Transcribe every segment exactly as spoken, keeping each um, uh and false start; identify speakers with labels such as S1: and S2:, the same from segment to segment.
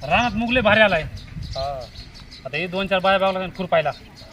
S1: रानात मुगले भारी आलाय.
S2: हा
S1: आता हे दोन चार बाया बागला लागून खुरपायला.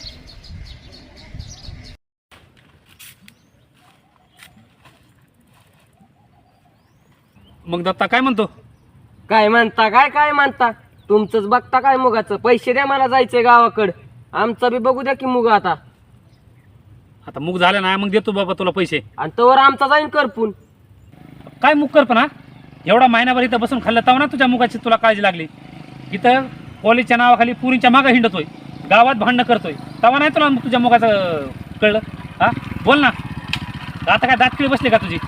S1: मग दत्ता काय म्हणतो?
S2: काय म्हणता काय काय म्हणता तुमचंच बघता काय मुगाचं. पैसे द्या मला जायचंय गावाकडं. आमचं बी बघू द्या की मुग आता.
S1: आता मुग झालं ना मग देतो बाबा तुला पैसे.
S2: आणि तोवर आमचा जाईन करपून.
S1: काय मुग कर पण हा एवढा महिनाभर इथं बसून खाल्लं तव ना तुझ्या मुगाची तुला काळजी लागली. इथं कॉलेजच्या नावाखाली पुरींच्या मागं हिंडतोय, गावात भांडणं करतोय, तवा नाही तुला तुझ्या मुगाचं कळलं? हा बोल ना. आता काय दात किळी बसले का तुझी?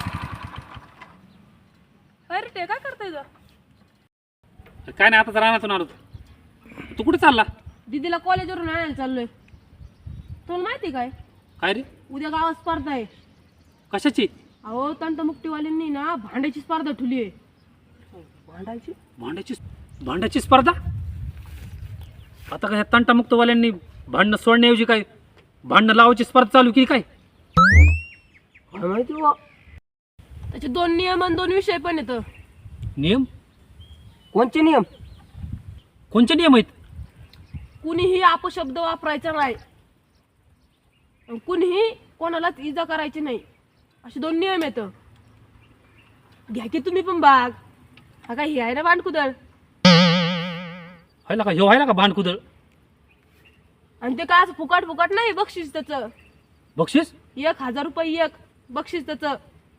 S3: अरे ते काय करतोय ग?
S1: काय नाही आता रानातून आलो. तू कुठे चालला?
S3: दीदीला कॉलेजवरून आणायला चाललोय. तुला माहिती काय
S1: काय रे?
S3: उद्या गावात स्पर्धा आहे.
S1: कशाची?
S3: अहो तंटमुक्तीवाल्यांनी ना भांड्याची स्पर्धा ठेवली आहे.
S2: भांडायची
S1: भांड्याची भांड्याची स्पर्धा? आता काय तंटामुक्तवाल्यांनी भांडणं सोडण्याऐवजी काय भांडणं लावायची स्पर्धा चालू केली काय?
S2: काय माहिती बुवा.
S3: त्याचे दोन नियम आणि दोन विषय पण येतं.
S1: नियम?
S2: कोणचे नियम?
S1: कोणचे नियम आहेत?
S3: कुणीही अपशब्द वापरायचा नाही, आणि कुणीही कोणालाच इजा करायची नाही, असे दोन नियम येतं. घ्या की तुम्ही पण भाग. हा काय हे आहे ना भांडकुदळ.
S1: व्हायला का ह्यो व्हायला का भांडकुदळ?
S3: आणि ते काय असं फुकाट फुकाट नाही. बक्षीस त्याचं
S1: बक्षीस?
S3: एक हजार रुपये एक बक्षीस त्याचं.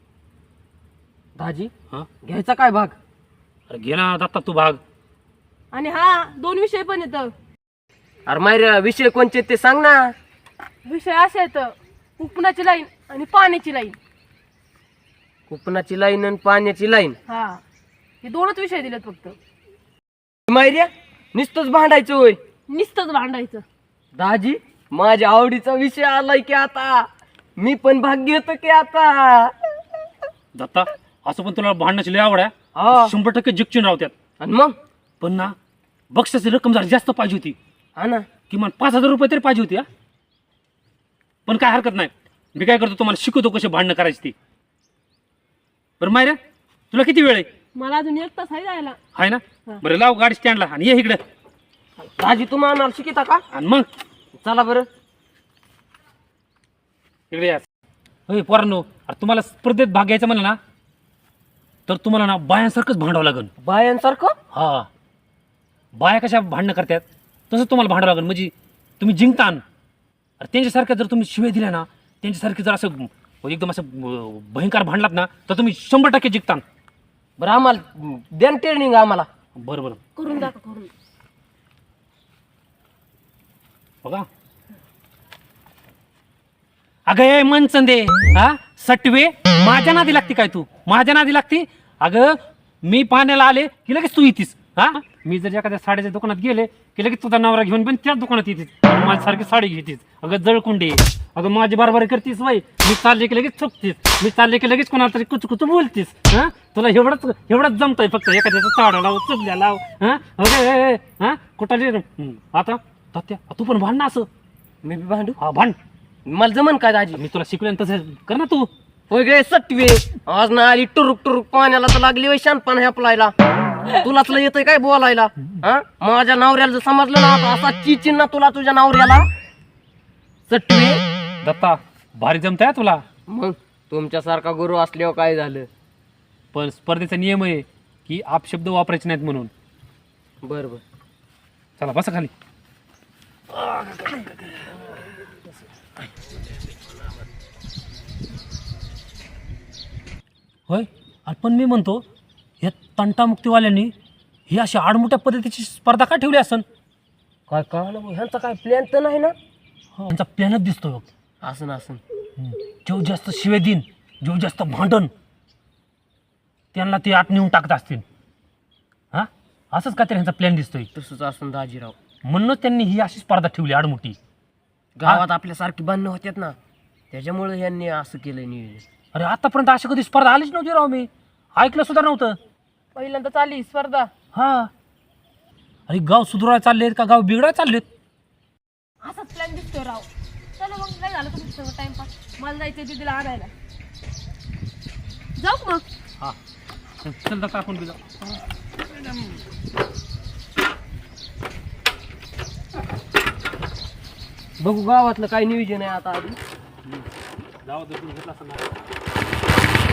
S2: दाजी
S1: हा
S2: घ्यायचा काय भाग?
S1: अरे घे ना दत्ता तू भाग.
S3: आणि हा दोन विषय पण येतं.
S2: अरे मायऱ्या विषय कोणचे ते सांग ना.
S3: विषय असे येतं, उपनाची लाईन आणि पाण्याची लाईन.
S2: कुपनाची लाईन आणि पाण्याची लाईन.
S3: हा हे दोनच विषय दिलेत फक्त.
S2: मायऱ्या नुसतंच भांडायचं होय?
S3: नुसतंच भांडायचं.
S2: दाजी माझ्या आवडीचा विषय आलाय की आता. मी पण भाग घेतो की आता.
S1: दत्ता असं पण तुला भांडण्याची लय आवड आहे.
S2: हा
S1: शंभर टक्के जिंकून राहत्यात.
S2: आणि मग
S1: पण ना बक्षाची रक्कम जरा जास्त पाहिजे होती.
S2: हा ना
S1: किमान पाच हजार रुपये तरी पाहिजे होती. हा पण काय हरकत नाही. मी काय करतो तुम्हाला शिकवतो कसे भांडणं करायची ती. बरं मायऱ्या तुला किती वेळ आहे?
S3: मला अजून एक तास आहे जायला.
S1: आहे ना?
S3: हा.
S1: बरं लाव गाडी स्टँडला आणि ये इकडे.
S2: दाजी तुम्ही आम्हाला शिकिता का?
S1: आणि मग
S2: चला बरं.
S1: इकडे या. होय पोरांनो, अरे तुम्हाला स्पर्धेत भाग घ्यायचा म्हणलं ना तर तुम्हाला ना बायांसारखंच भांडावं लागेल.
S2: बायांसारखं?
S1: हा बाया कशा भांडणं करतात तसं तुम्हाला भांडावं लागेल. म्हणजे तुम्ही जिंकतान. अरे त्यांच्यासारख्या जर तुम्ही शिव्या दिल्या ना, त्यांच्यासारखे जर असं एकदम असं अं, भयंकर भांडलात ना तर तुम्ही शंभर टक्के जिंकतान.
S2: बरं आम्हाला द्या ट्रेनिंग आम्हाला.
S1: बरं बरं
S3: करून दाखव करून.
S1: बघा. अगं ए मनचंदे, हा सटवे माझ्या नादी लागती काय तू? माझ्या नादी लागती? अगं मी पाण्याला आले की लगेच तू येतीस. हा मी जर एखाद्या साड्याच्या दुकानात गेले की लगेच तुझा नवरा घेऊन पण त्याच दुकानात येतीस. माझ्यासारखी साडी घेतीस. अगं जळकुंडी. अगं माझी बरोबरी करतीस वय. मी चालले की लगेच चुकतीस. मी चालले की लगेच कोणाला तरी कुच कुच बोलतीस. हा तुला एवढंच एवढंच जमतंय फक्त एखाद्याचं चाडा लाव चुकल्या लाव. हा अगं हा कुठं आता तात्या तू पण भांड ना असं.
S2: मी बी भांडू?
S1: हा भांड.
S2: मला जमन काय दाजी?
S1: मी तुला शिकवेन तसं कर ना तू.
S2: होय गे सटवे. आज ना आली टुरुक टुरुक पाण्याला तर लागली वय शानपण ह्यापलायला. तुलाच लय येतंय काय बोलायला? हा माझ्या नवऱ्याला जर समजलं ना आता असा चिचिन ना तुला तुझ्या नवऱ्याला. सटवे
S1: दत्ता भारी जमताय तुला.
S2: मग तुमच्यासारखा गुरु असल्यावर काय झालं?
S1: पण स्पर्धेचा नियम आहे की अपशब्द वापरायचे नाहीत म्हणून.
S2: बर बर
S1: चला बसा खाली. होय अरे पण मी म्हणतो या तंटामुक्तीवाल्यांनी ही अशी आडमोठ्या पद्धतीची स्पर्धा का ठेवली असन?
S2: काय कळलं मग? ह्यांचा काय प्लॅन तर नाही ना?
S1: त्यांचा प्लॅनच दिसतोय बघ.
S2: असं ना असं.
S1: जेव जास्त शिवे दिन जेव जास्त भांडण त्यांना ते आत नेऊन टाकत असतील. हा असंच का तरी ह्यांचा प्लॅन दिसतोय.
S2: तसंच असून दाजीराव.
S1: म्हणूनच त्यांनी ही अशी स्पर्धा ठेवली आडमोठी.
S2: गावात आपल्यासारखी बांधणं होत्यात ना, त्याच्यामुळे यांनी असं केलं नियोजन.
S1: अरे आतापर्यंत अशी कधी स्पर्धा आलीच नव्हती राव. मी ऐकलं सुद्धा नव्हतं.
S3: पहिल्यांदा चालली स्पर्धा.
S1: हा अरे गाव सुधारायला चाललेत का गाव बिघडायला चाललेत?
S3: असाच प्लॅन दिसतोय राव. चला मग काय झालं तुमचं सगळं टाइमपास. मला जायचंय दीदीला आणायला. जाऊ का मग?
S1: हा चल दत्ता आपण बी जाऊ.
S2: बघू गावातलं काय नियोजन आहे आता आधी
S1: जाऊ दे, तू घेतला असता ना.